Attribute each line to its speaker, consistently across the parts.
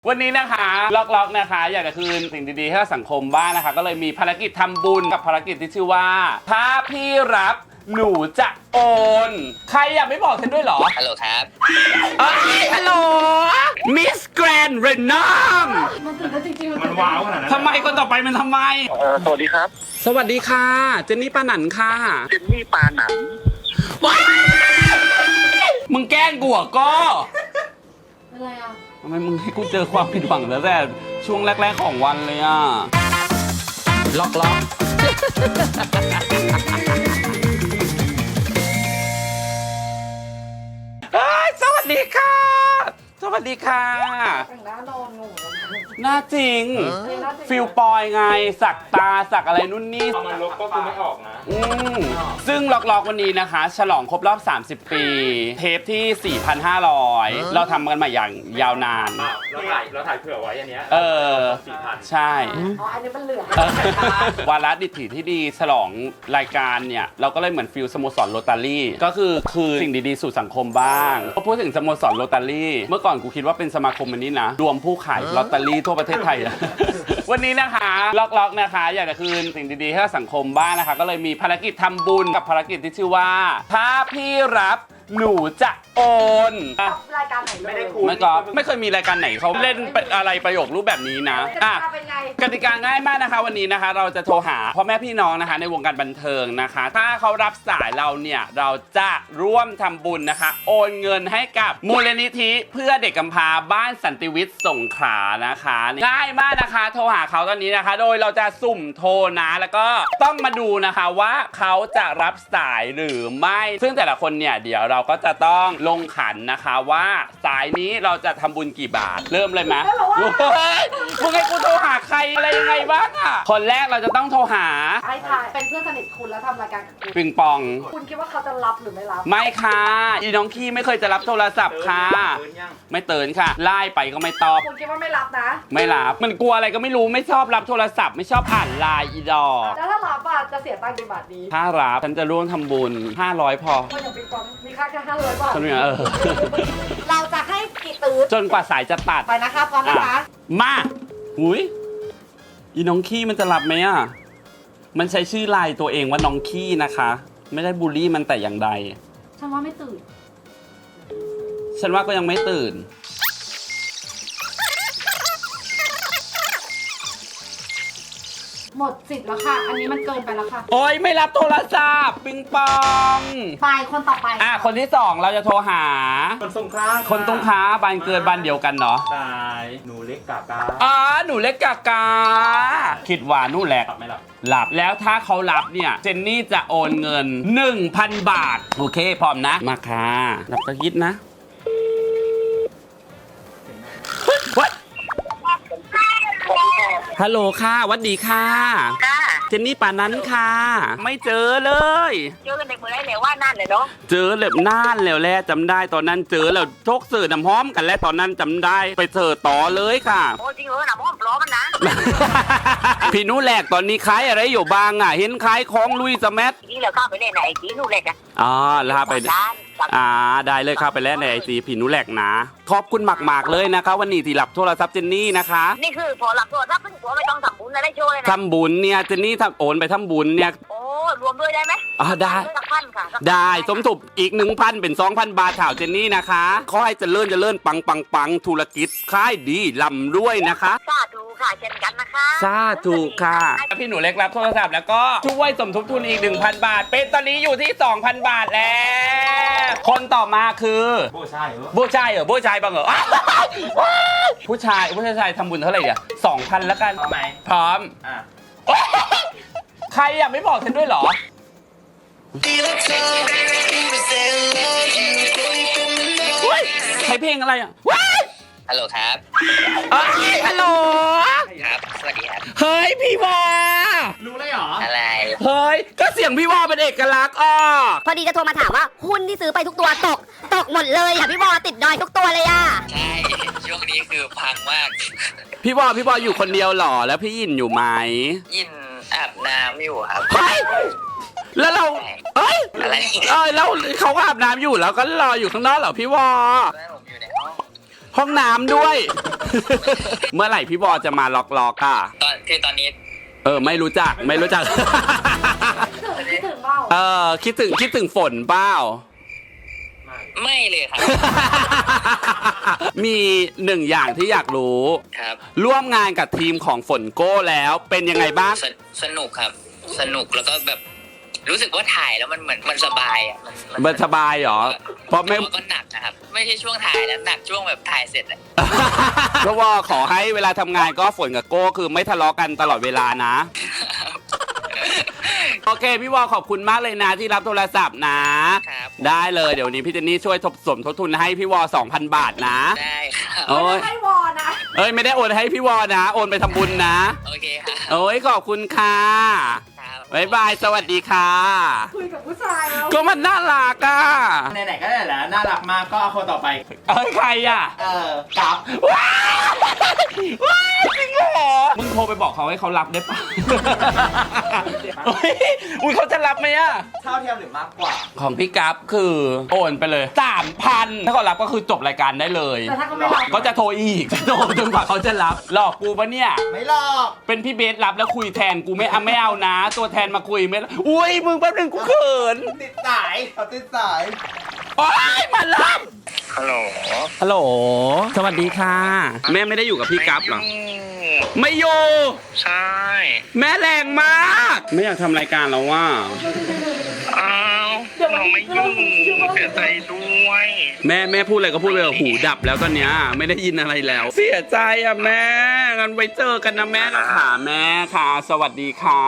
Speaker 1: วันนี้นะคะล็อกนะคะอยากจะคืนสิ่งดีๆให้สังคมบ้างนะคะก็เลยมีภารกิจทำบุญกับภารกิจที่ชื่อว่าถ้าพี่รับหนูจะโอนใครอยากไม่บอกฉันด้วยเหรอ
Speaker 2: ฮัลโหลครับ
Speaker 1: ฮัลโหลมิสแกรนด์เรนนัม
Speaker 3: มันตื่นเต้นจริงๆ
Speaker 4: มันว้าวขนาดนั้น
Speaker 1: ทำไมคนต่อไปมันทำไม
Speaker 4: สวัสดีครับ
Speaker 1: สวัสดีค่ะเจนนี่ปาหนันค่ะ
Speaker 4: เจนนี่ปาหนัน
Speaker 1: มึงแกล้งกูเหรอก็
Speaker 3: อะไรอ่ะ
Speaker 1: ทำไมมึงให้กูเจอความผิดหวังตั้งแต่ช่วงแรกๆของวันเลยอ่ะล็อก สวัสดีค่ะ สวัสดีค่ะ
Speaker 3: แต่งหน้านอนหนู
Speaker 1: หน้าจริง ฟิลปอยไง สักตาสักอะไรนู่นนี่
Speaker 4: เอามันลบก็คือไม่ออกนะ
Speaker 1: ซึ่งล็อกวันนี้นะคะ ฉลองครบรอบ 30 ปี เทปที่ 4,500 เราทำกันมาอย่างยาวนาน
Speaker 4: เราถ่ายเผื่อไว้อันเนี้ย 4,000
Speaker 1: ใช่
Speaker 3: อ๋อ อันนี้มันเหลือ
Speaker 1: วาระดิถีที่ดีฉลองรายการเนี่ย เราก็เลยเหมือนฟิลสโมสรโรตารี่ก็คือสิ่งดีๆสู่สังคมบ้างพอพูดถึงสโมสรโรตารี่เมื่อก่อนกูคิดว่าเป็นสมาคมอันนี้นะรวมผู้ขายลอตเตอรี่ทั่วประเทศไทยอะ วันนี้นะคะล็อกนะคะอยากจะคืนสิ่งดีๆให้สังคมบ้างนะคะก็เลยมีภารกิจทำบุญกับภารกิจที่ชื่อว่าถ้าพี่รับหนูจะโอน
Speaker 3: รายการไหนเลย
Speaker 4: ไม่ได้คุ
Speaker 1: ไม่เคยมีรายการไหนเขาเล่นอะไรประโยครูปแบบนี้นะ
Speaker 3: เป็นไง
Speaker 1: กติกาง่ายมากนะคะวันนี้นะคะเราจะโทรหาพ่อแม่พี่น้องนะคะในวงการบันเทิงนะคะ ถ้าเขารับสายเราเนี่ยเราจะร่วมทำบุญนะคะ โอนเงินให้กับมูลนิธิเพื่อเด็กกำพร้าบ้านสันติวิทย์สงขลานะคะง่ายมากนะคะโทรหาเขาตอนนี้นะคะ โดยเราจะสุ่มโทรนะแล้วก็ต้องมาดูนะคะว่าเขาจะรับสายหรือไม่ ซึ่งแต่ละคนเนี่ยเดี๋ยวเราก็จะต้องลงขันนะคะว่าสายนี้เราจะทำบุญกี่บาทเริ่มเลยไหมมึงให้กูโทรหาใครอะไรยังไงบ้างอ่ะคนแรกเราจะต้องโทรหา
Speaker 3: ไอ้ทายเป็นเพื่อนสนิทคุณแล้วทำรายการกับคุณ
Speaker 1: ปิงปอง
Speaker 3: คุณคิดว่าเขาจะรับหรือไม่รับ
Speaker 1: ไม่ค่ะอีน้องขี้ไม่เคยจะรับโทรศัพท์ค่ะไม่เตือนค่ะไล่ไปก็ไม่ตอบ
Speaker 3: คุณคิดว่าไม่รับนะ
Speaker 1: ไม่รับมันกลัวอะไรก็ไม่รู้ไม่ชอบรับโทรศัพท์ไม่ชอบอ่านไลน์อีดอก
Speaker 3: แล้วถ้ารับอ่ะจะเสียตังค์กี่บาทดี
Speaker 1: ถ้ารับฉันจะร่วมทำบุญ500พอ
Speaker 3: ก็อย่างปิงปองมีค่าแค่500 บาท
Speaker 1: ฉันเนี่ย
Speaker 3: เราจะให้กี่ตื้อ
Speaker 1: จนกว่าสายจะตัด
Speaker 3: ไปนะคะพร้อมนะคะ
Speaker 1: มาหุยอีน้องขี้มันจะรับไหมอ่ะมันใช้ชื่อไลน์ตัวเองว่าน้องขี้นะคะ ไม่ได้บูลลี่มันแต่อย่างใด
Speaker 3: ฉันว่าไม่ตื่น
Speaker 1: ฉันว่าก็ยังไม่ตื่น
Speaker 3: หมดสิทธิ์แล้วค่ะ อันนี้มันเกินไปแล้วค่ะ
Speaker 1: โอ๊ยไม่รับโทรศัพท์ปิงปอง
Speaker 3: ไปคนต่อไป
Speaker 1: คนที่2เราจะโทรหา
Speaker 4: คนสงคราม
Speaker 1: คนตรงค้าบ้านเกิดบ้านเดียวกันเนาะ
Speaker 4: ตายหนูเล็กกากา
Speaker 1: หนูเล็กกากาคิดว่านู่นแหละ
Speaker 4: หลับไหมล่ะ
Speaker 1: หลับแล้วถ้าเขารับเนี่ยเจนนี่จะโอนเงิน 1,000 บาท โอเคพร้อมนะ มาค่ะรับตะยิดนะวัดฮัลโหลค่ะหวัดดีค่ะ
Speaker 5: ค่ะ
Speaker 1: เจนนี่ป่านั้นค่ะ ไม่เจอเลย
Speaker 5: เจอกันในเมื่อไรเลยว่านั่นเลยเนาะ
Speaker 1: เจอแบบนานแล้วแหละจำได้ตอนนั้นเจอแล้วโชคเสือน้ำหอมกันแล้วตอนนั้นจำได้ไปเจอต่อเลยค่ะ
Speaker 5: โอ้จริงเหรอหนำห้อมปลอมมันนะ
Speaker 1: พี่นุแหลกตอนนี้ขายอะไรอยู่บ้างอ่ะ เห็นขายของลุยสแมัท
Speaker 5: นี่เราเข้าไปเล่นไหนจีนู่นเลยกัน
Speaker 1: แล้วไป
Speaker 5: ร้านสั่ง
Speaker 1: ได้เลยครับไปแล้วในไอจีพี่นุแหลกนะ ขอบคุณมากๆเลยนะคะวันนี้ที่รับโทรศัพท์เจนนี่นะคะ
Speaker 5: นี่คือพอหลับตัวรับเพิ่งตัวไม่ต้องทำบุญอะไรโชว์เลยนะ
Speaker 1: ทำบุญเนี่ยเจนนี่ทำโอนไปทำบุญเนี่ย
Speaker 5: โอ้รวมด้วยได้ไหม
Speaker 1: ได้
Speaker 5: สักพันค่ะสักพัน
Speaker 1: ได้สมทบอีก 1,000 เป็น 2,000 บาทข่าวเจนนี่นะคะขอให้เจริญปังธุรกิจขายดีลำรวยนะคะ
Speaker 5: สาธุค่ะเช่นกันนะคะ
Speaker 1: สาธุค่ะ พี่หนูเล็กรับโทรศัพท์แล้วก็ช่วยสมทบทุนอีก 1,000 บาท เป็นตอนนี้อยู่ที่ 2,000 บาทแล้ว คนต่อมาคือ
Speaker 4: โบ้ใช่เหรอ
Speaker 1: ผู้ชายบ้างเหรอผู้ชายทำบุญเท่าไหร่เนี่ย2,000แล้วกัน
Speaker 4: พร้อมไหม
Speaker 1: พร้อม
Speaker 4: อ่ะ
Speaker 1: ใครอยากไม่บอกฉันด้วยเหรอเฮ้ยใช้เพลงอะไรอ่ะว้าย
Speaker 2: ฮัลโหลครับ
Speaker 1: ฮัลโหล
Speaker 2: ครับ สวัสดีครับ
Speaker 1: เฮ้ยพี่วา
Speaker 4: รู้เลยเหรอ
Speaker 2: อะไร
Speaker 1: เฮ้ยก็เสียงพี่วาเป็นเอกลักษณ์อ่ะ
Speaker 6: พอดีจะโทรมาถามว่าหุ้นที่ซื้อไปทุกตัวตกหมดเลยค่ะพี่บอติดดอยทุกตัวเลยอ่ะ
Speaker 2: ใช่ ช่วงนี้คือพังมาก
Speaker 1: พี่วาอยู่คนเดียวเหรอแล้วพี่ยินอยู่ไหม
Speaker 2: ยินอาบน้ำอยู่ครับ
Speaker 1: เฮ้ยแล้วเราเอ้ย
Speaker 2: อะไร
Speaker 1: แล้วเขาก็อาบน้ำอยู่แล้วก็รออยู่ข้างนอกเหรอพี่วา
Speaker 2: แม่ผมอยู่ในห้อง
Speaker 1: ห้องน้ำด้วย เมื่อไหร่พี่บอจะมาล็อกอ่ะ
Speaker 2: ตอนนี้
Speaker 1: ไม่รู้จัก
Speaker 3: คิดถึงเปล่า
Speaker 1: คิดถึงฝนเปล่า
Speaker 2: ไม่เลยครับ
Speaker 1: มีหนึ่งอย่างที่อยากรู้
Speaker 2: ครับ
Speaker 1: ร่วมงานกับทีมของฝนโก้แล้วเป็นยังไงบ้าง
Speaker 2: สนุกครับ สนุกแล้วก็แบบรู้สึกว่าถ่ายแล้วมันเหมือนมันสบายอ่ะ
Speaker 1: มันสบายเหรอ เพราะไม่
Speaker 2: แต่ว่าก็หนักนะครับ ไม่ใช่ช่วงถ่ายแล้วหนักช่วงแบบถ่ายเสร็จอะ
Speaker 1: เพราะว่าขอให้เวลาทำงานก็ฝนกับโก้คือไม่ทะเลาะกันตลอดเวลานะ โอเคพี่วอขอบคุณมากเลยนะที่รับโทรศัพท์นะ
Speaker 2: ครับ
Speaker 1: ได้เลยเดี๋ยววนนี้พี่เจนนี่ช่วยสมทบทุนให้พี่วอ 2,000 บาทนะ
Speaker 2: ได้ครับ
Speaker 1: โอ้ย
Speaker 3: ให้วอนะ
Speaker 1: ไม่ได้โอนให้พี่วอนะ โอนไปทำบุญนะ
Speaker 2: โอเคครับ
Speaker 1: โอ้ยขอบคุณค่ะ
Speaker 2: ครับ
Speaker 1: บ๊ายบายสวัสดีค่ะ
Speaker 3: คุยกับผู้ชายแล้ว
Speaker 1: ก็มันน่ารักอ่ะ
Speaker 4: ไหนๆก็ได้แล้วน่ารักมากก็เอาคนต่อไป
Speaker 1: ใครอ่ะ
Speaker 4: กับ
Speaker 1: ว้าวจริงเหรอมึงโทรไปบอกเขาให้เขารับได้ปะเฮ้ยอุ้ยเขาจะรับไหมอ่ะ
Speaker 4: เท่าเทียมหรือมากกว่า
Speaker 1: ของพี่กัฟคือโอนไปเลย 3,000 ถ้าเขารับก็คือจบรายการได้เลย
Speaker 3: แต่ถ้าเขาไม่รับ
Speaker 1: ก็จะโทรอีก จะโทรจนกว่าเขาจะรับ หลอกกูปะเนี่ย
Speaker 4: ไม่หรอก
Speaker 1: เป็นพี่เบสรับแล้วคุยแทนกูไม่เอานะ ตัวแทนมาคุยไม่อุ้ยมึงแป๊บนึงกูเขิน
Speaker 4: ติดสายเขาติดสาย
Speaker 1: โอ๊ยมารับ
Speaker 2: ฮัลโหล
Speaker 1: ฮัลโหลสวัสดีค่ะ แม่ไม่ได้อยู่กับพี่กัฟหรอไม่อยู่
Speaker 2: ใช่
Speaker 1: แม่แรงมาก ไม่อยากทำรายการแล้วว่า
Speaker 2: อ้าวเราไม่ยุ่งเสียใจด้วย
Speaker 1: แม่พูดอะไรก็พูดไปเถอะหูดับแล้วตอนเนี้ยไม่ได้ยินอะไรแล้ว เสียใจอ่ะแม่งั้นไว้เจอกันนะแม่ค่ะแม่ค่ะ สวัสดีค่ะ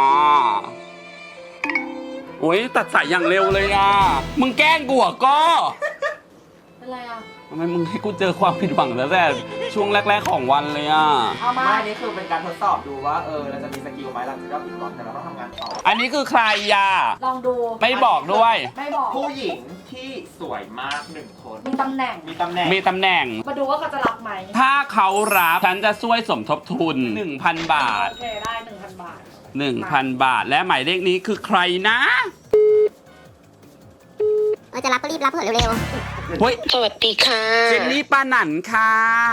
Speaker 1: โอ้ยตัดสายอย่างเร็วเลยอ่ะมึงแกล้งกูเหรอก็
Speaker 3: เป็นไรอ่ะ
Speaker 1: ทำไมมึงให้กูเจอความผิดหวังแล้วแต่ช่วงแรกๆของวันเลยอ่ะ
Speaker 3: เอามา
Speaker 4: ไม่นี่คือเป็นการทดสอบดูว่าเราจะมีสกิลไหมหลังจากที่เราผิดหวังแต่เราต้องทำงานต่อ
Speaker 1: อันนี้คือใครอ่ะ
Speaker 3: ลองดู
Speaker 1: ไม่บอกด้วย
Speaker 3: ไม่บอก
Speaker 4: ผู้หญิงที่สวยมากหนึ่งคน
Speaker 3: มีตำแหน่ง
Speaker 4: มีตำแหน่ง
Speaker 1: มีตำแหน่ง
Speaker 3: มาดูว่าเขาจะรับไหม
Speaker 1: ถ้าเขารับฉันจะช่วยสมทบทุน 1,000 บาท
Speaker 3: โอเคได้ 1,000 บาท
Speaker 1: 1,000 บาท และหมายเลขนี้คือใครนะ
Speaker 6: จะรับก็รีบรับเถอะเร็ว
Speaker 1: เฮ้ย
Speaker 2: สวัสดีค่ะ
Speaker 1: เจนนี่ปาหนันค่ะ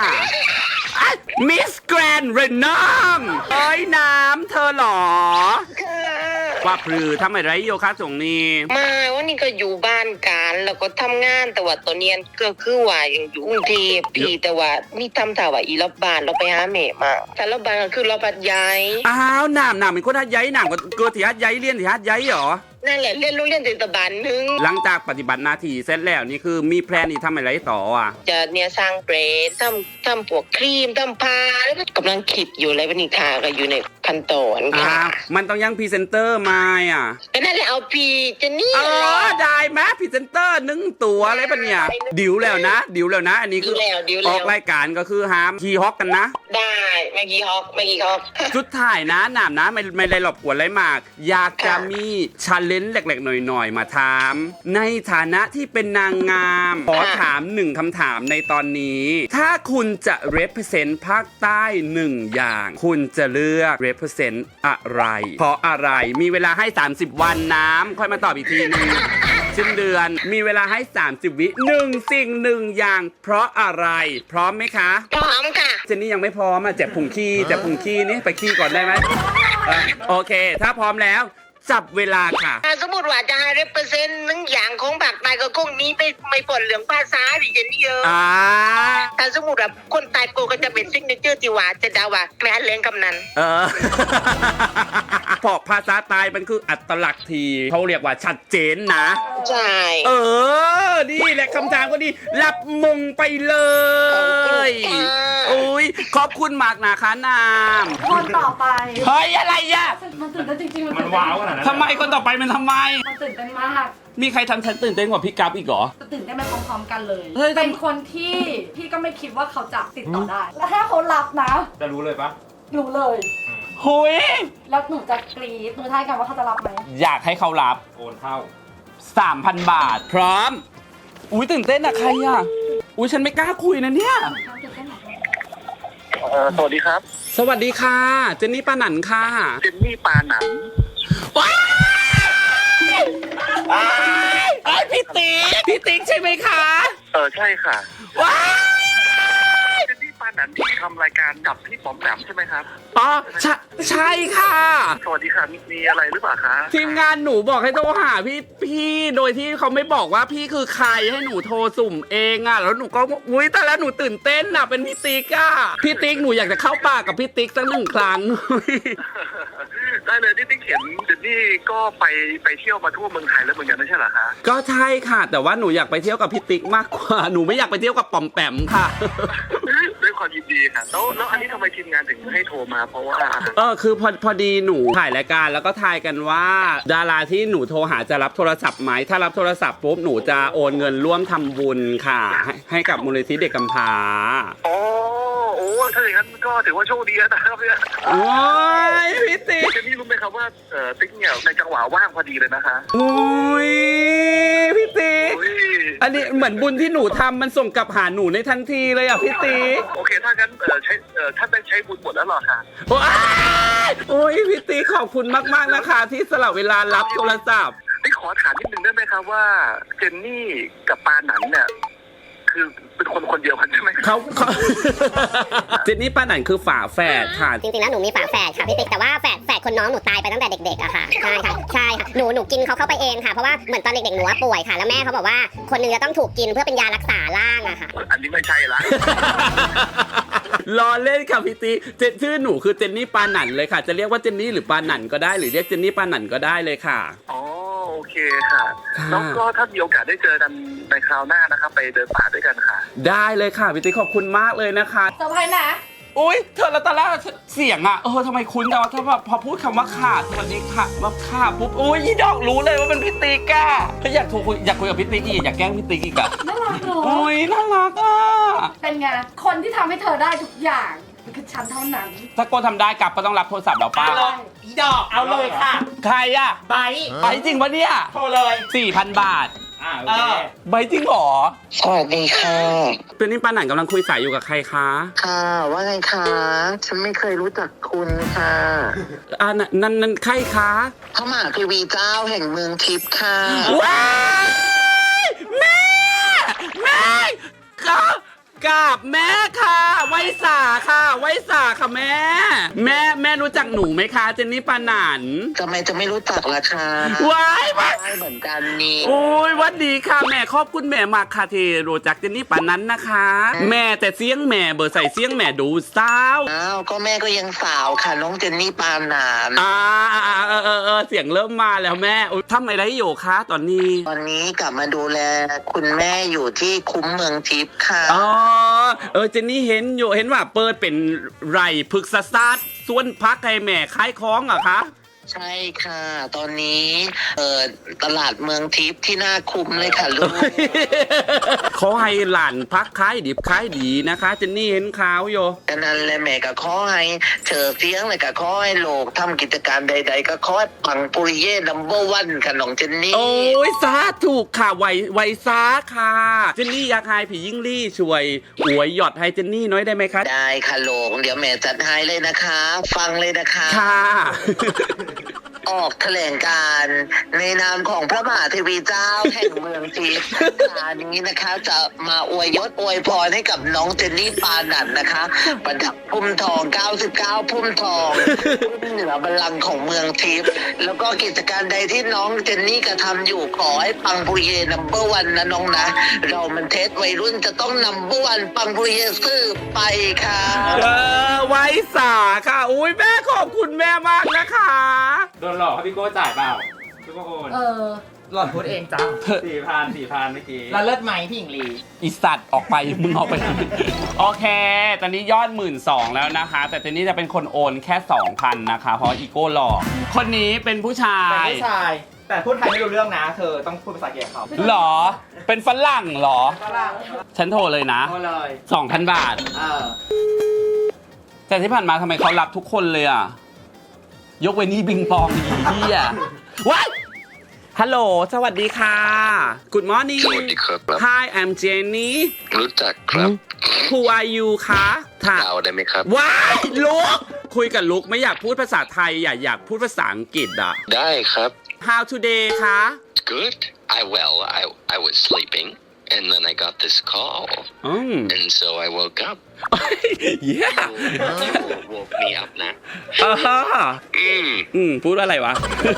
Speaker 1: มิสแกรนด์เรนอมเอ้ยน้ำเธอเหรอ ว่าพรือทำอะไรโยคะตรงนี้
Speaker 7: มาวันนี้ก็อยู่บ้านกันแล้วก็ทำงานแต่ว่าตอนเนี้ยก็คือว่ายังอยู่กรุงเทพพี่แต่ว่ามีทำถ่าว่าอีรอบบ้านเราไปหาแม่มาแต่รอบบ้านก็คือรอบบัดย้าย
Speaker 1: อ้าวหนามเป็นคนทัดย้ายหนามก็เกิดที่ทัดย้ายเรียนที่ทัดย้ายเหรอ
Speaker 7: นั่นแหละเรียนโรงเรียนเทศบาลหนึง
Speaker 1: หลังจากปฏิบัติหน้าที่เสร็จแล้วนี่คือมีแพลนนี่ทำอะไรต่ออ่ะ
Speaker 7: จะเนี่ยสร้างเบรดทำพวกครีมทำผ้าแล้วก็กำลังคิดอยู่อะไรวันนี้ค่ะก็อยู่ในขั้นตอนค่ะ
Speaker 1: มันต้องยังพรีเซนเตอร์มาอ่ะ
Speaker 7: ก็นั่นแหละเอาพี่เจนนี่
Speaker 1: อ๋อได้ไหมพรีเซนเตอร์1 ตัวอะไรปะเนี่ยดิวแล้วนะ อันนี้คือ
Speaker 7: ดิว
Speaker 1: อ
Speaker 7: แล้
Speaker 1: อ
Speaker 7: ว
Speaker 1: กรายการก็คือห้ามขี่ฮอกกันนะ
Speaker 7: ได้เมื่อกี้ฮอก
Speaker 1: สุดท้ายนะหนามนะไม่ได้หลบกวนอะไรมาก อยากจะมีชาเลนจ์เล็กๆหน่อยๆมาถาม ในฐานะที่เป็นนางงาม ขอถาม1คำถามในตอนนี้ ถ้าคุณจะ represent ภาคใต้1อย่าง คุณจะเลือก represent อะไร เพราะอะไรมีเวลาให้ 30 วันน้ำค่อยมาตอบอีกทีนึง สิ้นเดือนมีเวลาให้ 30 วิ1 สิ่ง 1 อย่าง เพราะอะไร พร้อมไหมคะ
Speaker 7: พร้อมค่ะ
Speaker 1: เจนนี่ยังไม่พร้อมอ่ะเจ็บพุงขี้นี่ไปขี้ก่อนได้ไหมโอเค ถ้าพร้อมแล้ว จับเวลาค่ะ
Speaker 7: ถ้าสมมติว่าจะให้represent หนึ่งอย่างของภาคใต้ก็คงมีไม่ปนเรื่องภาษาดิเจนนี่เยอะ ถ้าสมมติว่าคนใต้โปก็จะเป็นซิกเนเจอร์ที่ว่าจะดาว่าแม่เลี้ยงกำนัน
Speaker 1: เพราะภาษาใต้มันคืออัตลักษณ์ทีเขาเรียกว่าชัดเจนนะ
Speaker 7: ใช่
Speaker 1: นี่แหละคำถามก็ดีรับมงไปเลย อุ้ยขอบคุณมากนะคะนาม
Speaker 3: คนต่อไป
Speaker 1: เฮ้ยอะไรอ่ะ
Speaker 3: มันตื่นเต้นจริงๆ
Speaker 4: มันว้าวขนาดนั้น
Speaker 1: ทำไมคนต่อไปมันทำไม
Speaker 3: มันตื่นเต้นมาก
Speaker 1: มีใครทำฉันตื่นเต้นกว่าพี่กัฟอีกเหรอ
Speaker 3: จะตื่นเต้นไปพร้อมๆกันเลย
Speaker 1: เฮ้ย
Speaker 3: เป็นคนที่พี่ก็ไม่คิดว่าเขาจะติดต่อได้ แล้วถ้าเขารับนะ
Speaker 4: จะรู้เลยปะ
Speaker 3: รู้เลย
Speaker 1: หุย
Speaker 3: แล้วหนูจะกรี๊ดหนูทายกันว่าเขาจะรับไหม
Speaker 1: อยากให้เขารับ
Speaker 4: โอนเท่า
Speaker 1: 3,000 บาท พร้อม อุ้ยตื่นเต้นอะใครอะอุ้ยฉันไม่กล้าคุยนะเนี่ย
Speaker 3: ตื่นเต้นหรอ
Speaker 8: สวัสดีครับ
Speaker 1: สวัสดีค่ะ เจนนี่ปาหนันค่ะ
Speaker 8: เจนนี่ปาหนัน
Speaker 1: ว้ายไอ้พี่ติ๊กใช่ไหมคะ
Speaker 8: ใช่ค่ะ
Speaker 1: ว้าย
Speaker 8: ทำรายการกับพี่ป๋อมแปมใช่ไหมครับ
Speaker 1: อ๋อใช่ค่ะ
Speaker 8: สวัสดีค่ะมีอะไรหรือเปล่าคะ
Speaker 1: ทีมงานหนูบอกให้โทรหาพี่โดยที่เขาไม่บอกว่าพี่คือใครให้หนูโทรสุ่มเองอ่ะแล้วหนูก็อุ้ยแต่แล้วหนูตื่นเต้นอ่ะเป็นพี่ติ๊กอ่ะพี่ติ๊กหนูอยากจะเข้าป่ากับพี่ติ๊กสัก1 ครั้ง
Speaker 8: ได้เลยที่ติ๊กเห็นเจนนี่ก็ไปเที่ยวมาทั่วเมืองไทยแล้วเหมือนกันไม่ใช่เหรอคะ
Speaker 1: ก็ใช่ค่ะ แต่ว่าหนูอยากไปเที่ยวกับพี่ติ๊กมากกว่าหนูไม่อยากไปเที่ยวกับป๋อมแปมค่ะ
Speaker 8: ด้วยความยินดีค่ะแล้วอันนี้ทำไมทีมงานถึงให้โทรมาเพราะว่า
Speaker 1: คือพอดีหนูถ่ายรายการแล้วก็ทายกันว่า ดาราที่หนูโทรหาจะรับโทรศัพท์ไหมถ้ารับโทรศัพท์ปุ๊บหนูจะโอนเงินร่วมทำบุญค่ะให้กับมูลนิธิเด็กกำพร้า
Speaker 8: โอ้ถ้าอย่างนั้นก็ถือว่าโชคดีนะครับเนี่ย
Speaker 1: โอ้ยพี่ติ๊ก
Speaker 8: เจนนี่รู้ไหมครับว่าติ๊กเนี่ยในจังหวะว่างพอดีเลยนะคะ
Speaker 1: โอ้ยพี่ติ๊ก
Speaker 8: อุ๊ย
Speaker 1: อันนี้เหมือนบุญที่หนูทำมันส่งกลับหาหนูในทันทีเลยอ่ะพี่ติ๊ก
Speaker 8: โอเคถ้างั้นท่านได้ใช้บุญหมดแล้วเหรอคะ
Speaker 1: โอ้ยพี่ติ๊กขอบคุณมากๆนะคะ ที่สละเวลารับโทรศัพท์
Speaker 8: ติ๊กขอถามนิดนึงได้ไหมครับว่าเจนนี่กับปาหนันเนี่ยคือเป็นคนเดียวกันใช่ไหม
Speaker 1: เขา เจนนี่ป้าหนันคือฝาแฝดค่ะ
Speaker 6: จริงๆแล้วหนูมีฝาแฝดค่ะพี่ติ๊กแต่ว่าแฝดคนน้องหนูตายไปตั้งแต่เด็กๆอะค่ะใช่ค่ะหนูกินเขาเข้าไปเองค่ะเพราะว่าเหมือนตอนเด็กๆหนูว่าป่วยค่ะแล้วแม่เขาบอกว่าคนนึงจะต้องถูกกินเพื่อเป็นยารักษาร่างอะค่ะ
Speaker 8: อันนี้ไม่ใช่ละ
Speaker 1: รอเล่นค่ะพี่ติ๊กชื่อหนูคือเจนนี่ปาหนันเลยค่ะ จะเรียกว่าเจนนี่หรือปาหนันก็ได้หรือเรียกเจนนี่ปาหนันก็ได้เลยค่ะ
Speaker 8: อ๋อโอเคค่ะ
Speaker 1: ค่ะ
Speaker 8: แล้วก็ถ้ามีโอกาสได้เจอกันในคราวหน้านะครับไปเดินป่าด้วยกันค่ะ
Speaker 1: ได้เลยค่ะพี่ติ๊กขอบคุณมากเลยนะคะ
Speaker 3: เซอร์ไพรส์นะ
Speaker 1: อุ้ยเธอแล้วตอนแรกเสียงอ่ะทำไมคุ้นจังวะถ้าแบบพอพูดคำว่าขาดสวัสดีค่ะมาขาปุ๊บอุ้ยยี่ดอกรู้เลยว่าเป็นพี่ติ๊กอ่ะก็อยากโทรคุยอยากคุยกับพี่ติ๊กอีกอยากแกล้งพี่ติ๊กอีกอ่ะ
Speaker 3: น่ารักเนอะ
Speaker 1: โอ้ยน่ารักอ่ะ
Speaker 3: เป็นไง คนที่ทำให้เธอได้ทุกอย่างคือฉันเท่านั้น
Speaker 1: ถ้าโกทำได้กลับก็ต้องรับโทรศัพท์เราป้า
Speaker 4: อีดอกเอาเลยค่ะ
Speaker 1: ใครอ่ะ
Speaker 4: ไป
Speaker 1: ไปจริงปะเนี่ย
Speaker 4: โทรเลย
Speaker 1: 4,000 บาท
Speaker 4: โอเค
Speaker 1: ใบจริงเหรอ
Speaker 7: สวัสดีค่ะ
Speaker 1: เป็นนี่ปาหนันกำลังคุยสายอยู่กับใครคะ
Speaker 7: ค่ะว่าไงคะฉันไม่เคยรู้จักคุณค่ะ
Speaker 1: นั่นใครคะ
Speaker 7: พระมหาเทวีเจ้าแห่งเมืองทิพย์ค่ะ
Speaker 1: ว้ายแม่กับแม่ค่ะไวสาค่ะแม่รู้จักหนูไหมคะเจนนี่ปาหนัน
Speaker 7: ทำไมจะไม่รู้จักล่ะคะ
Speaker 1: ว้าย
Speaker 7: ได้เหมือนกันนี่
Speaker 1: โอ้ยวัดดีค่ะแม่ขอบคุณแม่มากค่ะที่รู้จักเจนนี่ปานั้นนะคะ แม่แต่เสียงแม่เบอร์ใส่เสียงแม่ดูสาว
Speaker 7: อ้าวก็แม่ก็ยังสาวค่ะน้องเจนนี่ปานาน
Speaker 1: เสียงเริ่มมาแล้วแม่ทำอะไรอยู่คะตอนนี้
Speaker 7: ตอนนี้กลับมาดูแลคุณแม่อยู่ที่คุ้มเมืองทิพย์ค่ะ
Speaker 1: อ๋อเจนนี่เห็นว่าเปิดเป็นไร่พฤกษศาสตร์ส่วนพักให้แม่ขายของเหรอคะ
Speaker 7: ใช่ค่ะ ตอนนี้ตลาดเมืองทิพย์ที่น่าคุ้มเลยค่ะลูก
Speaker 1: ขอให้หลานพักขายดิบขายดีนะคะเจนนี่เห็นข่าวอยู่
Speaker 7: ฉะนั้นแหละแม่ก็ขอให้เธอเสียงเลยก็ขอให้โลกทำกิจการใด ๆ ก็ขอให้ปังปุริเย่นัมเบอร์วันค่ะน้องเจนนี่
Speaker 1: โอ้ยสาถูกค่ะไวซาค่ะเจนนี่อยากให้ผียิ่งลี่ช่วยอวยหยอดให้เจนนี่น้อยได้ไหมคะ
Speaker 7: ได้ค่ะโลกเดี๋ยวแม่จัดให้เลยนะคะ ฟังเลยนะคะ
Speaker 1: ค่ะ
Speaker 7: ออกแถลงการณ์ในนามของพระมหาเทวีเจ้าแห่งเมืองทิพย์งานนี้นะคะจะมาอวยยศอวยพรให้กับน้องเจนนี่ปานันนะคะ ประดับพุ่มทอง 99 พุ่มทองพุ่มเหนือบัลลังก์ของเมืองทิพย์แล้วก็กิจการใดที่น้องเจนนี่กระทำอยู่ขอให้ปังปุริเย่นัมเบอร์วันนะน้องนะ เรามันเทสวัยรุ่นจะต้องนัมเบอร์วันปังปุริเย่สืบไปค่ะ
Speaker 1: ไวสาค่ะอุ้ยแม่ขอบคุณแม่มากนะคะ
Speaker 4: โดนหลอกครับพี่โก้จ่ายเปล่าพี่โก้โอน
Speaker 9: หล่อนพูดเองจ้า
Speaker 4: 4,000เมื่อกี้
Speaker 9: แล้วเลิศไหมพี่หญิงลี
Speaker 1: อีสัตว์ออกไปมึงออกไป โอเค ตอนนี้ยอด 12,000 แล้วนะคะ แต่เจนนี่จะเป็นคนโอนแค่ 2,000 นะคะ เพราะอีโก้หลอกคนนี้เป็นผู้ชาย
Speaker 9: แต่ผู้ชาย แต่พูดไทยไม่รู้เรื่องนะ เธอต้องพูดภาษาอังกฤษกับเขา
Speaker 1: หรอ เป็นฝรั่งหรอ
Speaker 9: ฝรั่ง
Speaker 1: ฉันโทรเลยนะ
Speaker 9: โทรเลย
Speaker 1: 2,000 บาท แต่ที่ผ่านมาทำไมเขารับทุกคนเลยอ่ะ ยกเว้นนี่บิงปองอีเหี้ยว้ายฮัลโหล สวัสดีค่ะ Good morning
Speaker 8: สวัสดีครับ
Speaker 1: Hi I'm Jenny
Speaker 8: รู้จักครับ
Speaker 1: Who are you คะถาม
Speaker 8: ดาวได้ไหมครับ
Speaker 1: ว้ายลุกคุยกับลุกไม่อยากพูดภาษาไทยอยากพูดภาษาอังกฤษอ่ะ
Speaker 8: ได้ครับ
Speaker 1: How today คะ
Speaker 8: Good I was sleeping
Speaker 7: and then I got this call and so I woke up
Speaker 1: yeah
Speaker 7: woke me up นะ
Speaker 1: พูดอะไรวะ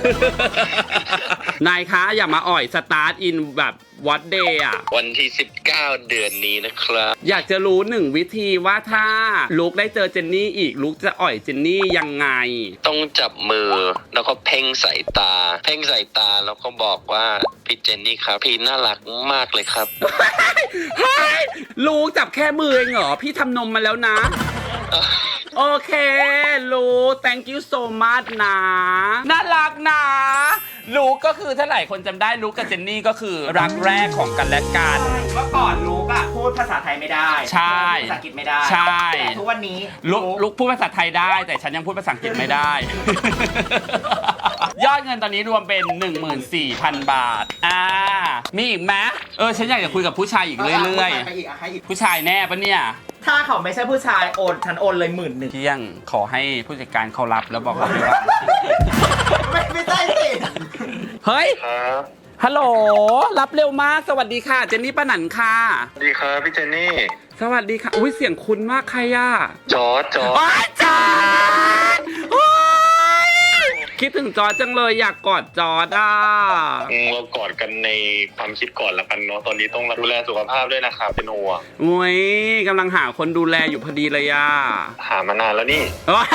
Speaker 1: นายคะอย่ามาอ่อยสตาร์ทอินแบบวัดเดย์อ่ะ
Speaker 7: วันที่ 19 เดือนนี้นะครับ
Speaker 1: อยากจะรู้หนึ่งวิธีว่าถ้าลุกได้เจอเจนนี่อีกลุกจะอ่อยเจนนี่ยังไง
Speaker 7: ต้องจับมือแล้วก็เพ่งสายตา เพ่งสายตาแล้วก็บอกว่าพี่เจนนี่ครับพี่น่ารักมากเลยครับ
Speaker 1: เฮ้ยลุกจับแค่มือเองเหรอพี่ทำนมมาแล้วนะ โอเคลูก thank you so much นะน่ารักนะลูกก็คือถ้าหลายคนจำได้ลูกกับเจนนี่ก็คือรักแรกของกันและกัน
Speaker 9: เมื่อก่อนลูกอะพูดภาษาไทยไม่ได้
Speaker 1: ใช่
Speaker 9: พูดภาษาอังกฤษไม่ได้
Speaker 1: ใช่
Speaker 9: แต่ทุกวันนี้
Speaker 1: ลูกพูดภาษาไทยได้แต่ฉันยังพูดภาษาอังกฤษไม่ได้ ยอดเงินตอนนี้รวมเป็น 14,000 บาทมีอีกไหมฉันอยากจะคุยกับผู้ชายอีกเรื่อย
Speaker 9: ไปอีกให้อีก
Speaker 1: ๆผู้ชายแน่ปะเนี่ย
Speaker 9: ถ้าเขาไม่ใช่ผู้ชายโอนฉันโอนเลย11,000
Speaker 1: เที่ยงขอให้ผู้จัดการเขารับแล้วบอกว่า
Speaker 9: ไม่ใช่สิ
Speaker 1: เฮ้ยฮัลโหลรับเร็วมากสวัสดีค่ะเจนนี่ป้าหนันค่ะ
Speaker 8: สวัสดีครับพี่เจนนี่
Speaker 1: สวัสดีค่ะอุ้ยเสียงคุ้นมากใครอ่ะ
Speaker 8: จอร์จ
Speaker 1: จอร์จคิดถึงจอร์จจังเลยอยากกอดจอร์จอ่ะ
Speaker 8: เรากอดกันในความคิดก่อนละกันเนาะตอนนี้ต้องดูแลสุขภาพด้วยนะครับเป็นห่วง
Speaker 1: อุ้ยกำลังหาคนดูแลอยู่พอดีเลยอ่ะ
Speaker 8: หามานานแล้วนี่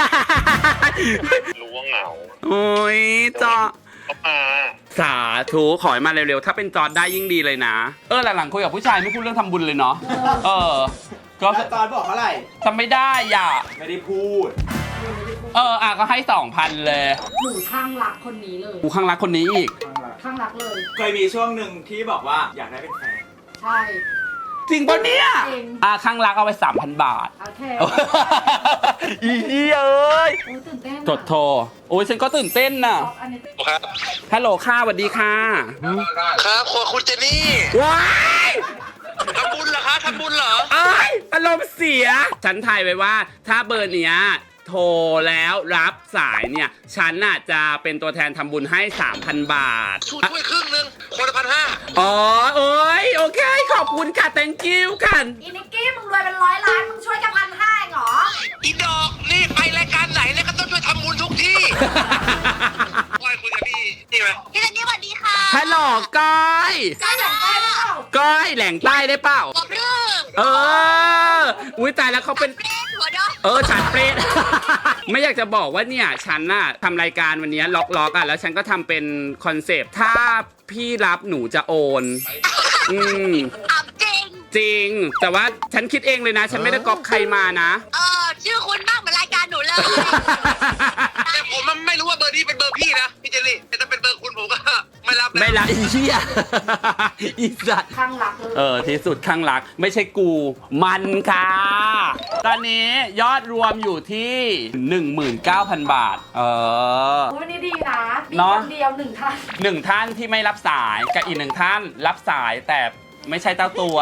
Speaker 8: รู้ว่าเหงา
Speaker 1: โอ้ยจอร์จ
Speaker 8: เข้ามา
Speaker 1: สาธุขอให้มาเร็วๆถ้าเป็นจอร์จได้ยิ่งดีเลยนะหลังๆคุยกับผู้ชายไม่พูดเรื่องทำบุญเลยเนาะก็
Speaker 9: ตอนบอกเท่าไหร่
Speaker 1: ทำไม่ได้อ่ะ
Speaker 9: ไม่ได้พูด
Speaker 1: ก็ให้ 2,000 เลย
Speaker 3: หนูข้างรักคนนี้เลย
Speaker 1: กูข้างรักคนนี้อีก
Speaker 3: ข้างรักเลย
Speaker 9: เคยมีช่วงหนึ่งที่บอกว่าอยากได้เป็นแฟน
Speaker 3: ใช่
Speaker 1: จริงปะเนี่ย
Speaker 3: จริง
Speaker 1: ข้างรักเอาไป 3,000 บาท
Speaker 3: โอเค
Speaker 1: อีเอ้ย
Speaker 3: โอ้ยตื่นเต้น
Speaker 1: กดโทรโอ้ยฉันก็ตื่นเต้นน่ะ
Speaker 3: อันนี้
Speaker 8: ครับ
Speaker 1: ฮัลโหลค่ะสวัสดีค่ะ
Speaker 8: ครับคุณเจนนี่
Speaker 1: ว้าย
Speaker 8: ทำบุญเหรอคะทำบุญเหรอ
Speaker 1: อารมณ์เสีย ฉันทายไว้ว่าถ้าเบอร์เนี้ยโทรแล้วรับสายเนี่ยฉันน่ะจะเป็นตัวแทนทำบุญให้ 3,000 บาท
Speaker 8: ช่วยครึ่งนึงคนละ1,500
Speaker 1: โอ้ยโอเคขอบคุณค่ะ thank you ค่ะ
Speaker 3: อีนิกกี้มึงรวยเป็น100 ล้านมึงช่วยกัน1,500เหรอ
Speaker 8: อีดอกนี่ไปรายการไหนเนี่ยก็ต้องช่วยทำบุญทุกที่ ว่าคุยกับพี่นี่ไหม
Speaker 5: พี่เจนนี่สวัสดีค่ะ
Speaker 1: ฮัลโหลก้อย
Speaker 3: ใกล้หลังใกล้แล้ว
Speaker 1: ก้อยแหล่งใต้ได้เปล่า
Speaker 5: บอกเรื่อง
Speaker 1: อุ้ยตายแล้วเขาเป็น
Speaker 5: เล่นหัวดอก
Speaker 1: ฉันเปรต ไม่อยากจะบอกว่าเนี่ยฉันน่ะทำรายการวันนี้ล็อกแล้วฉันก็ทำเป็นคอนเซปต์ถ้าพี่รับหนูจะโอน
Speaker 5: อ่ะจริง
Speaker 1: จริง แต่ว่าฉันคิดเองเลยนะ ฉันไม่ได้ก๊อปใครมานะ
Speaker 5: ชื่อคุณมากเหมือนรายการหนูเลย
Speaker 8: แต่ผมมันไม่รู้ว่าเบอร์นี้เป็นเบอร์พี่นะพี่เจลลี่แต่ถ้าเป็นเบอร์คุณผมก็ไม่รับนะ
Speaker 1: ไม่ละอีเหี้ย อีสัตว์
Speaker 3: ข้างรักเลย
Speaker 1: ที่สุดข้างรักไม่ใช่กูมันค่ะ ตอนนี้ยอดรวมอยู่ที่ 19,000 บาท
Speaker 3: วันนี้ดีนะมี
Speaker 1: เนอะ
Speaker 3: คนเดียว1 ท่าน
Speaker 1: 1 ท่านที่ไม่รับสายกับอีก1 ท่านรับสายแต่ไม่ใช่เจ้าตัว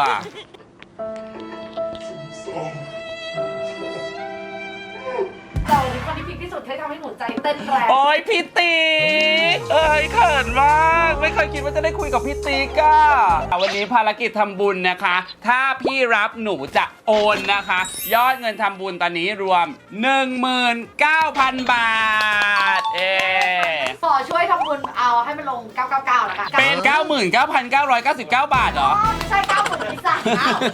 Speaker 3: เราเป็นคนที่พีคที่สุดที่ทำให้หนูใจเต้นแรง
Speaker 1: โอ้ยพี่ติ๊กเขินมากไม่เคยคิดว่าจะได้คุยกับพี่ติ๊กวันนี้ภารกิจทำบุญนะคะ ถ้าพี่รับหนูจะโอนนะคะ ยอดเงินทำบุญตอนนี้รวม 19,000 บาท
Speaker 3: ขอช่วยทำบุญเอาให้มันลง 999แล้วกัน
Speaker 1: เป็น 99,999 บาทเหรอ
Speaker 3: ไม่ใช่90,000ที่สั่ง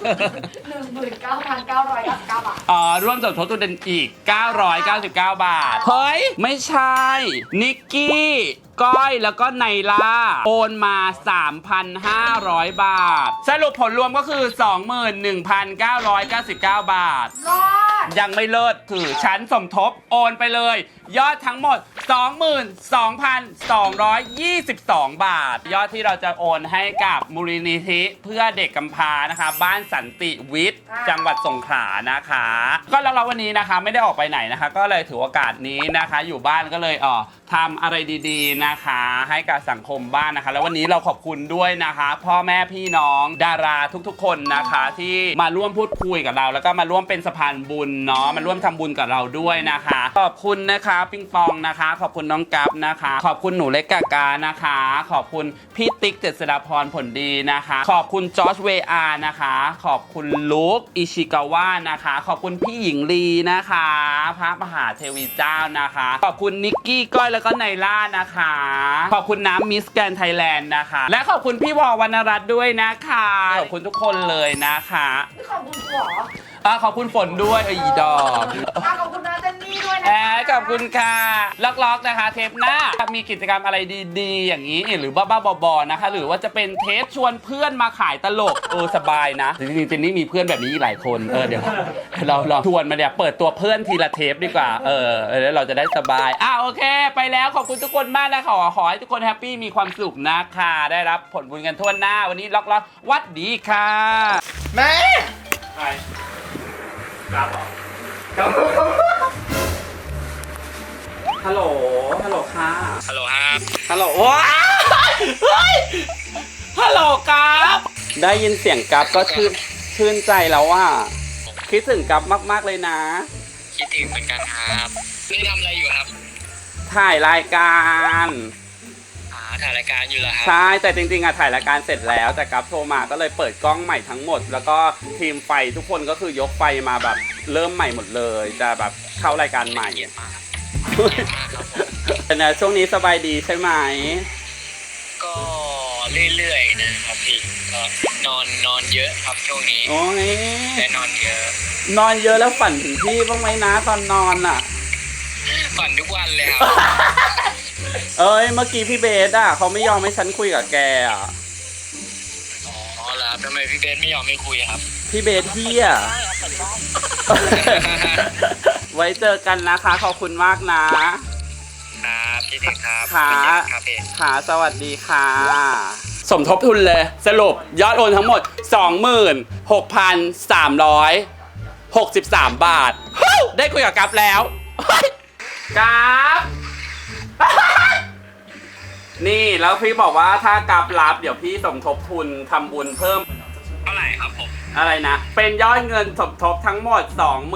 Speaker 3: 19,999 บาท
Speaker 1: ร่วมสมทบทุนอีก 999 บาท เฮ้ย ไม่ใช่ นิกกี้ ก้อย แล้วก็ไนล่า โอนมา 3,500 บาท สรุปผลรวมก็คือ 21,999 บาท
Speaker 3: รอด
Speaker 1: ยังไม่เลิศคือฉันสมทบโอนไปเลย ยอดทั้งหมด 22,222 บาท ยอดที่เราจะโอนให้กับมูลนิธิเพื่อเด็กกำพร้านะคะ บ้านสันติวิทย์จังหวัดสงขลานะคะ ก็แล้วเราวันนี้นะคะไม่ได้ออกไปไหนนะคะ ก็เลยถือโอกาสนี้นะคะ อยู่บ้านก็เลยทำอะไรดีๆนะคะ ให้กับสังคมบ้านนะคะ แล้ววันนี้เราขอบคุณด้วยนะคะ พ่อแม่พี่น้องดาราทุกๆคนนะคะ ที่มาร่วมพูดคุยกับเรา แล้วก็มาร่วมเป็นสะพานบุญเนาะมาร่วมทำบุญกับเราด้วยนะคะขอบคุณนะคะปิงปองนะคะขอบคุณน้องกัฟนะคะขอบคุณหนูเล็กกากานะคะขอบคุณพี่ติ๊กเจษฎาพรผลดีนะคะขอบคุณจอร์จเวอาร์นะคะขอบคุณลุคอิชิกาวะนะคะขอบคุณพี่หญิงลีนะคะพระมหาเทวีเจ้านะคะขอบคุณนิกกี้ก้อยแล้วก็ไนล่านะคะขอบคุณน้ำมิสแกรนด์ไทยแลนด์นะคะและขอบคุณพี่วอวรรณรัตน์ด้วยนะคะขอบคุณทุกคนเลยนะคะ
Speaker 3: นี่ขอบคุณหัว
Speaker 1: ขอบคุณฝนด้วยอีดอก
Speaker 3: ขอบคุณน้าเจนนี่ด้วยนะ
Speaker 1: ขอบคุณค่ะล็อกๆนะคะเทปหน้ามีกิจกรรมอะไรดีๆอย่างนี้หรือบ้าๆบอๆนะคะหรือว่าจะเป็นเทปชวนเพื่อนมาขายตลกสบายนะจริงๆเจนนี่มีเพื่อนแบบนี้หลายคนเดี๋ยวเราลองชวนมาเนี่ยเปิดตัวเพื่อนทีละเทปดีกว่าแล้วเราจะได้สบายโอเคไปแล้วขอบคุณทุกคนมากนะขอให้ทุกคนแฮปปี้มีความสุขนะคะได้รับผลบุญกันทั่วหน้าวันนี้ล็อกๆวัดดีค่ะ
Speaker 9: แม่
Speaker 1: ใครครับฮัลโหลค่ะ
Speaker 2: ฮัลโหลครับ
Speaker 1: ฮัลโหลว้ายเฮ้ยฮัลโหลครับได้ยินเสียงกับก็ชื่นใจแล้วว่าคิดถึงกับมากๆเลยนะ
Speaker 2: คิดถึงเหมือนกันครับนี่ทำอะไรอยู่ครับ
Speaker 1: ถ่ายรายการ
Speaker 2: ถ่ายรายการอยู่เหรอครับ
Speaker 1: ใช่แต่จริงๆถ่ายรายการเสร็จแล้วแต่กับโทรมาก็เลยเปิดกล้องใหม่ทั้งหมด แล้วก็ทีมไฟทุกคนก็คือยกไฟมาแบบเริ่มใหม่หมดเลยจะแบบเข้ารายการใหม่
Speaker 2: เกียรติมากครับ
Speaker 1: นะช่วงนี้สบายดีใช่ไหม
Speaker 2: ก็เรื่อยๆนะครับพี่ก็นอนเยอะครับช่วงนี้
Speaker 1: โอ้ย
Speaker 2: แต่นอนเยอะ
Speaker 1: นอนเยอะแล้วฝันถึงพี่บ้างไหมนะตอนนอนอ่ะ
Speaker 2: ฝันทุกวันเลยครับ
Speaker 1: เมื่อกี้พี่เบสเขาไม่ยอมให้ฉันคุยกับแกอ่ะ
Speaker 2: อ๋อแล้วทำไมพี่เบสไม่ยอมไม่คุยครับ
Speaker 1: พี่เบสเฮียไว้เจอกันนะคะขอบคุณมากนะครับ
Speaker 2: พี่เด็กครับ
Speaker 1: ค่ะ
Speaker 2: ครับพี่
Speaker 1: ค่ะสวัสดีค่ะ สมทบทุนเลยสรุปยอดโอนทั้งหมด 26,363 บาทเฮ้ยได้คุยกับกัฟแล้วเฮ้ยกัฟ นี่แล้วพี่บอกว่าถ้ากัฟรับเดี๋ยวพี่สมทบทุนทำบุญเพิ่ม
Speaker 2: เท่าไหร่ครับผม
Speaker 1: อะไรนะ เป็นยอดเงินสมทบทั้งหมด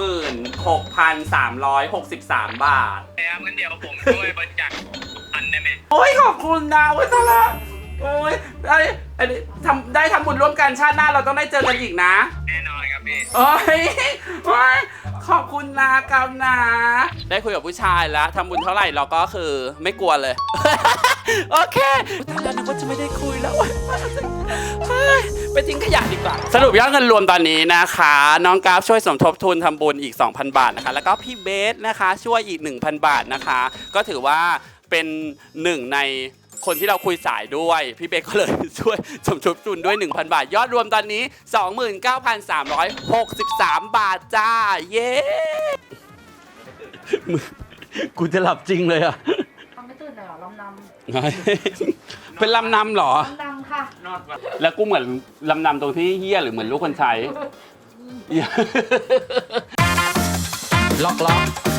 Speaker 1: 26,363 บาท
Speaker 2: แล้วงั้นเดี๋ยวผมช่วยบริจาคพันได้ไหม
Speaker 1: โอ้ยขอบคุณนะเว้ยตาละโอ้ยอันนี้ได้ทำบุญร่วมกันชาติหน้าเราต้องได้เจอกันอีกนะ
Speaker 2: แน่นอนครับพี่
Speaker 1: โอ้ยขอบคุณนะกัมนะ ได้คุยกับผู้ชายแล้วทำบุญเท่าไหร่เราก็คือไม่กลัวเลย โอเคตอนแรกนึกว่าจะไม่ได้คุยแล้วเฮ้ยไปทิ้งขยะดีกว่า สรุปยอดเงินรวมตอนนี้นะคะ น้องกราฟช่วยสมทบทุนทำบุญอีก 2,000 บาทนะคะแล้วก็พี่เบสนะคะช่วยอีก 1,000 บาทนะคะ ก็ถือว่าเป็นหนึ่งในคนที่เราคุยสายด้วยพี่เบสก็เลยช่วยสมทบทุนด้วย 1,000 บาท ยอดรวมตอนนี้ 29,363 บาทจ้าเย้ กูจะหลับจริงเลยอะ
Speaker 3: ทำไม่ตื่นเลยเหรอลำน
Speaker 1: เป็นลำนำเหรอ
Speaker 3: ำลำนำค่ะ
Speaker 1: แล้วกูเหมือนลำนำตรงที่เฮี้ยหรือเหมือนลูกคนใช้ ล็อก